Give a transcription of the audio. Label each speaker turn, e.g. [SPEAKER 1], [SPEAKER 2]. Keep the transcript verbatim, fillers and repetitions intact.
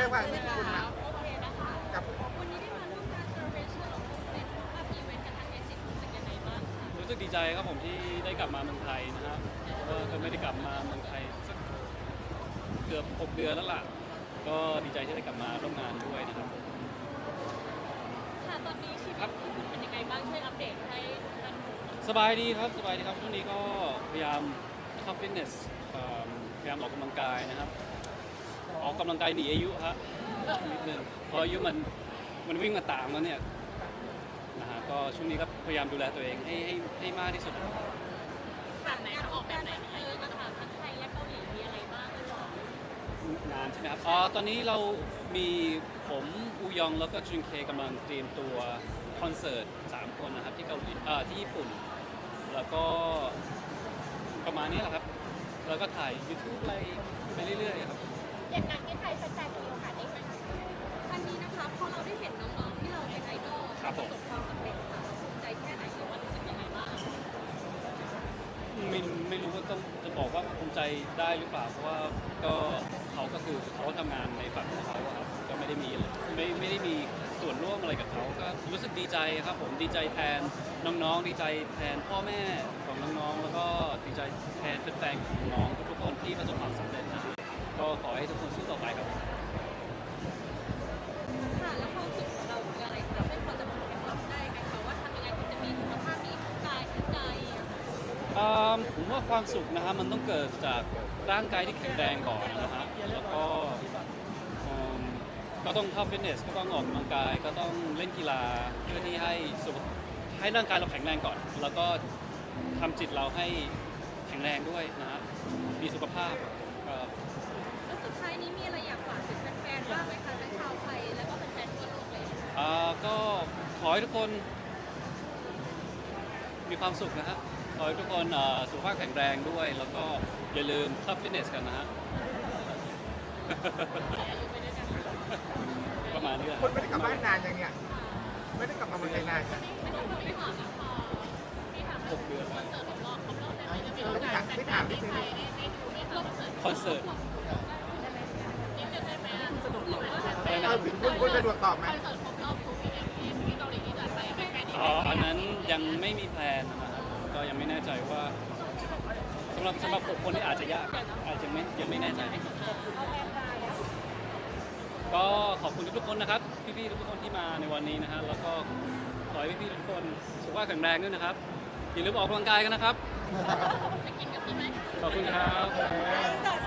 [SPEAKER 1] งความขอบคุณนะ
[SPEAKER 2] โอเคนะคะ
[SPEAKER 1] กับ
[SPEAKER 2] วันนี้ได้มาร่วมงาน celebration ของคุณเป็นกับอีเวนต์กับทางเอซิรู้สึกยังไงบ้างคะ
[SPEAKER 3] รู้สึกดีใจครับผมที่ได้กลับมาเมืองไทยนะครับเพราะว่าก็ไม่ได้กลับมาเมืองไทยสักเกือบหกเดือนแล้วล่ะก็ดีใจที่ได้กลับมาร่วมงานด้วยนะครับ
[SPEAKER 2] ค่ะตอนนี้ชีวิตของคุณเป็นยังไงบ้างช่วยอัปเดตให้ท่านดูหน่อย
[SPEAKER 3] สบายดีครับสบายดีครับช่วงนี้ก็พยายามเข้าฟิตเนสเอ่อพยายามออกกำลังกายนะครับออกกำลังกายหนีอายุฮะนิดนึงเพราะอายุมันมันวิ่งมาตามแล้วเนี่ยนะฮะก็ช่วงนี้ก็พยายามดูแลตัวเองให้ให้ให้มากที่สุด
[SPEAKER 2] แบบไหนคะออกแบบไหนเออมาถามทั้งไทยและเกาหลีมีอะไรบ้างหรือเปล่าง
[SPEAKER 3] านใช่ไหมครับอ๋อตอนนี้เรามีผมอูยองแล้วก็จุนเคกำลังเตรียมตัวคอนเสิร์ตสามคนนะครับที่เกาหลีเอ่อที่ญี่ปุ่น แล้วก็ประมาณนี้แหละครับ แล้วก็ถ่าย YouTube อะไรไปเรื่อยๆครับ
[SPEAKER 2] อย่างงานที่ไทยแฟนๆมีโอกาสได้ไหมอันนี้นะคะพอเราได้เห็นน้องๆที่เราเป็นไอดอล
[SPEAKER 3] ครับ
[SPEAKER 2] ป
[SPEAKER 3] ผ
[SPEAKER 2] ระ
[SPEAKER 3] ม
[SPEAKER 2] สบความสำเร็จค่ะเราภูมิใจแค่ไหนหรือว่ารู้สึกยังไงบ้าง
[SPEAKER 3] ไม่ไม่รู้ว่าต้องจะบอกว่าภูมิใจได้หรือเปล่า เพราะว่าก็เขาก็คือเขาทำงานในฝั่งของเขาอะครับก็ไม่ได้มีไม่ไม่ได้มีส่วนร่วมอะไรกับเขาก็รู้สึกดีใจครับผมดีใจแทนน้องๆ ดีใจแทนพ่อแม่ของน้องๆ แล้วก็ดีใจแทนแฟนๆของน้องทุกๆคนที่ประสบความสำเร็จนะก็ขอให้ทุกคนสู้ต่อไปครับ
[SPEAKER 2] ค่ะแล้วความสุขของเราคืออะไรคะไม่พอจะบอกเคล็ดลับได้ไหมคะว่าทำยังไงถึงจะมีสุขภาพดีทั้งกายทั้งใจ
[SPEAKER 3] อ่าผมว่าความสุขนะฮะมันต้องเกิดจากร่างกายที่แข็งแรงก่อนนะฮะแล้วก็อืมก็ต้องเข้าฟิตเนสก็ต้องออกกำลังกายก็ต้องเล่นกีฬาเพื่อที่ให้สุขให้ร่างกายเราแข็งแรงก่อน แล้วก็ทำจิตเราให้แข็งแรงด้วยนะฮะมีสุขภาพก็
[SPEAKER 2] แล้วสุดท้ายนี้มีอะไรอยากฝากถึงแฟนๆบ้างไหมคะทั้งชาวไทยแล้วก็แฟนๆทั่วโลกเลย
[SPEAKER 3] อ่าก็ขอให้ทุกคนมีความสุขนะฮะขอให้ทุกคนอ่าสุขภาพแข็งแรงด้วย แล้วก็อย่าลืมเข้าฟิตเนสกันนะฮะ ประมาณนี้แหละ
[SPEAKER 1] คุณไม่ได้กลับบ้านนานยังเนี่ยไม่ได้กลับมาเมืองไทยนานยัง
[SPEAKER 2] ไม่ต้องไม่ถามนะพอพี่ถาม
[SPEAKER 3] หกเดือน
[SPEAKER 2] คอนเสิร์ตของเราครบรอบแล้วจะมี
[SPEAKER 1] เอ
[SPEAKER 2] โอ
[SPEAKER 1] อไม่
[SPEAKER 2] กา
[SPEAKER 1] ถา
[SPEAKER 2] ส
[SPEAKER 1] มไม่ถามนิดนึง
[SPEAKER 2] ได้ดูไหมคะคอนเสิร์ต
[SPEAKER 3] คอนเสิร์ต
[SPEAKER 2] นิดนึงได้ไหมสะดวกหรอ
[SPEAKER 3] อะไร
[SPEAKER 1] เอ
[SPEAKER 3] นะ
[SPEAKER 1] อคุณคุณสะดวกตอบไหม
[SPEAKER 2] คอนเสิร์ตครบรอบทุกอีเวนท์ที่ที่เกาหลีที่จัดไปแฟนๆ
[SPEAKER 3] อ๋ออันนั้นยังไม่มีแพลนนะครับก็ยังไม่แน่ใจว่าสำหรับสำหรับหกคนนี่อาจจะยากอาจจะไม่ยังไม่แน่ใจ ก็ขอบคุณทุกๆคนนะครับ พี่ๆทุกๆคนที่มาในวันนี้นะฮะแล้วก็ขอให้พี่ๆทุกคนสุขภาพแข็งแรงด้วยนะครับอย่าลืมออกกำลังกายกันนะครับ
[SPEAKER 2] จะกินกับพี่ไหม
[SPEAKER 3] ขอบคุณครับ
[SPEAKER 2] ส